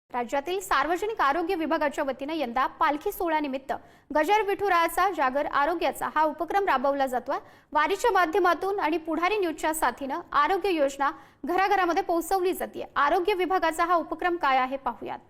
राज्यातील सार्वजनिक आरोग्य विभागाच्या वतीने यंदा पालखी सोहळ्यानिमित्त गजर विठुरायाचा जागर आरोग्याचा हा उपक्रम राबवला जातोय। वारीच्या माध्यमातून आणि पुढारी न्यूजच्या साथीने आरोग्य योजना घराघरामध्ये पोहोचवली जाते। आरोग्य विभागाचा हा उपक्रम काय आहे पाहूयात।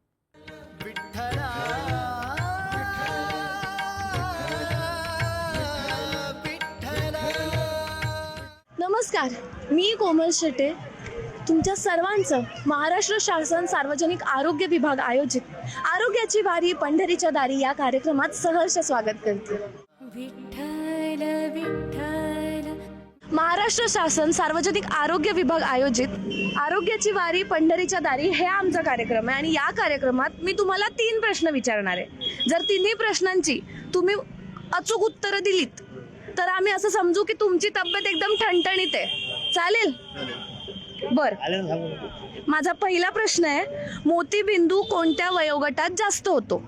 नमस्कार, मी कोमल शेटे तुमच्या सर्वांचं महाराष्ट्र शासन सार्वजनिक आरोग्य विभाग आयोजित आरोग्याची वारी पंढरीच्या दारी या कार्यक्रमात सहर्ष स्वागत करते। विठ्ठल विठ्ठल महाराष्ट्र शासन सार्वजनिक आरोग्य विभाग आयोजित आरोग्याची वारी पंढरीच्या दारी हे आमचा कार्यक्रम आहे आणि या कार्यक्रमात मी तुम्हाला 3 प्रश्न विचारणार आहे। जर तिन्ही प्रश्नांची तुम्ही अचूक उत्तरं दिलीत तर आम्ही असं समजू की तुमची तब्येत एकदम ठणठणीत आहे। चालेल? बर, माझा पहिला प्रश्न आहे, मोतीबिंदू कोणत्या वयोगटात जास्त होतो?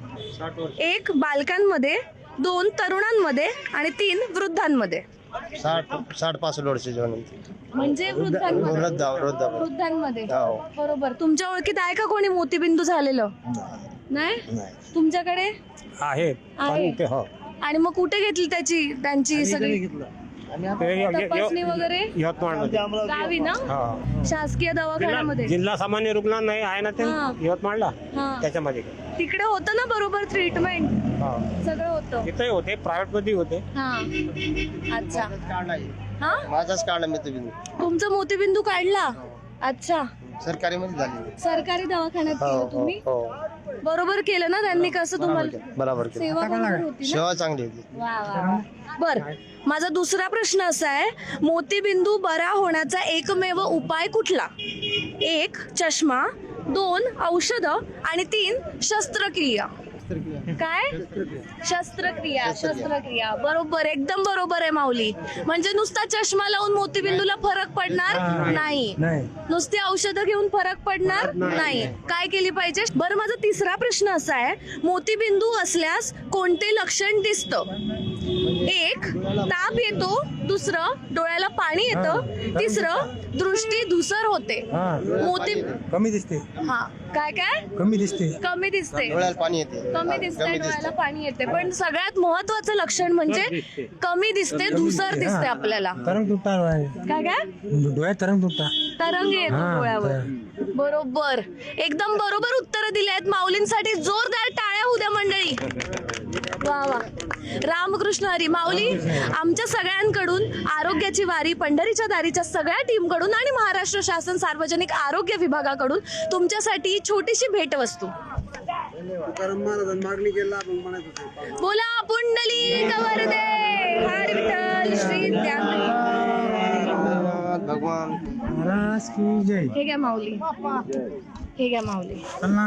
1 बालकांमध्ये, 2 तरुणांमध्ये आणि 3 वृद्धांमध्ये। 60-65 वर्षाच्या म्हणजे वृद्धांमध्ये। बरोबर। तुमच्या ओळखीत आहे का कोणी मोतीबिंदू झालेलं? नाही। तुमच्याकडे आहे? आणि मग कुठे घेतली त्यांची सगळी तपासणी वगैरे? गावी ना, शासकीय दवाखान्यामध्ये, जिल्हा सामान्य रुग्णालय आहे ना ते यवतमाळला, त्याच्यामध्ये तिकडे होतं ना बरोबर ट्रीटमेंट? सगळं होतं तिथे होते, प्रायव्हेट मध्ये होते। अच्छा, माझाच काढला मोतीबिंदू। तुमचा मोतीबिंदू काढला? अच्छा, सरकारी मध्ये झाली। सरकारी दवाखान्यात केलं तुम्ही? बरोबर केलं ना त्यांनी? कसं तुम्हाला बरोबर सेवा बरोबर होती ना? सेवा चांगली होती। बर, माझा दुसरा प्रश्न असा आहे, मोतीबिंदू बरा होण्याचा एकमेव उपाय कुठला? 1 चष्मा, 2 औषध आणि 3 शस्त्रक्रिया। काय? शस्त्रक्रिया। बरोबर, एकदम बरोबर आहे माऊली। म्हणजे नुसता चष्मा लावून मोतीबिंदूला फरक पडणार नाही, नुसती औषधं घेऊन फरक पडणार नाही। काय केली पाहिजे? बरं, माझा तिसरा प्रश्न असा आहे, मोतीबिंदू असल्यास कोणते लक्षण दिसतं? 1 ताप येतो, 2 डोळ्याला पाणी येतं, 3 दृष्टी धुसर होते। मोती कमी दिसते। काय कमी दिसते डोळ्याला पाणी येते। कमी दिसते, डोळ्याला पाणी येते, पण सगळ्यात महत्वाचं लक्षण म्हणजे कमी दिसते, धुसर दिसते आपल्याला। तरंग तुटता काय डोळ्यात तरंग तुटता, तरंग येतो डोळ्यावर। बरोबर, एकदम बरोबर उत्तर दिले आहेत। माऊलींसाठी जोरदार टाळ्या होऊ द्या मंडळी। वा वा, रामकृष्ण हरी। माऊली, आमच्या सगळ्यांकडून आरोग्याची वारी पंढरीच्या दारीच्या सगळ्या टीमकडून आणि महाराष्ट्र शासन सार्वजनिक आरोग्य विभागाकडून तुमच्यासाठी छोटीशी भेटवस्तू। बोला पुंडलिक वरदे, हर विठ्ठल श्री भगवान महाराज की जय। हे घ्या माऊली, हे घ्या माऊली।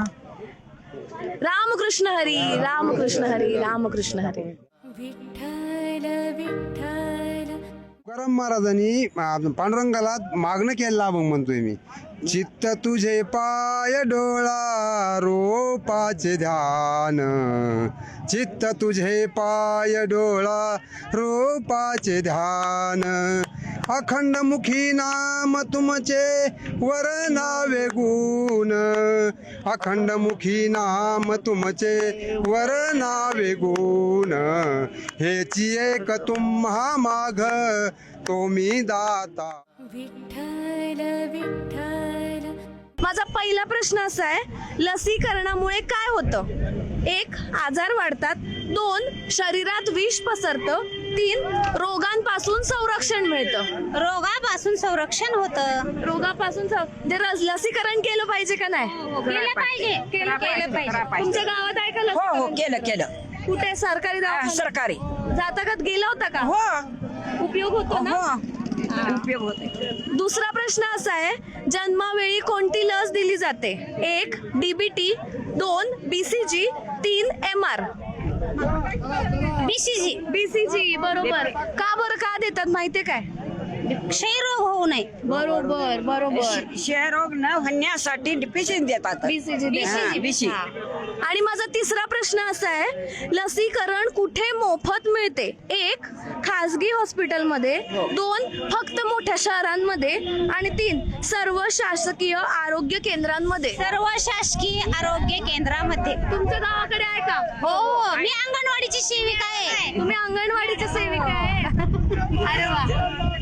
रामकृष्ण हरी, रामकृष्ण हरी, रामकृष्ण हरी। विठ्ठल विठ्ठल। तुकाराम महाराजांनी पांडुरंगाला मागणं केलं मग म्हणतोय मी, चित्त तुझे पाय डोळा रोपाचे ध्यान, चित्त तुझे पाय डोळा रोपाचे ध्यान, अखंड मुखी नाम तुमचे वर नावे गुण, अखंड मुखी नाम तुमचे वर नावे गुण, हेची एक तुम्हा माग तो मी दाता। विठ्ठल विठ्ठल। माझा पहिला प्रश्न असा आहे, लसीकरणामुळे काय होतं? 1 आजार वाढतात, 2 शरीरात विष पसरतं, 3 रोगांपासून संरक्षण मिळतं। रोगापासून संरक्षण होतं। रोगापासून लसीकरण केलं पाहिजे का नाही? केलं पाहिजे। तुमच्या गावात आहे का? हो, केलं। कुठे? सरकारी दवाखान्यात? सरकारी। जाता का? गेला होता का? हो, उपयोग होतो ना? उपयोग होते। दुसरा प्रश्न असा आहे, जन्मावेळी कोणती लस दिली जाते? 1 DBT, 2 BCG, 3 MR। BCG। BCG बरोबर। का बरं, का देतात माहितीये काय? क्षयरोग होऊ नये. बरोबर बरोबर. क्षयरोग न होण्यासाठी बीसी देतात. बीसी. आणि माझा तिसरा प्रश्न असा आहे, लसीकरण कुठे मोफत मिळते? 1 खासगी हॉस्पिटलमध्ये, 2 फक्त मोठ्या शहरांमध्ये, आणि 3 सर्व शासकीय आरोग्य केंद्रांमध्ये. सर्व शासकीय आरोग्य केंद्रामध्ये. तुमच्या गावाकडे आहे का? हो, मी अंगणवाडीची सेविका आहे. तुम्ही अंगणवाडीच्या सेविका आहे? अरे वा.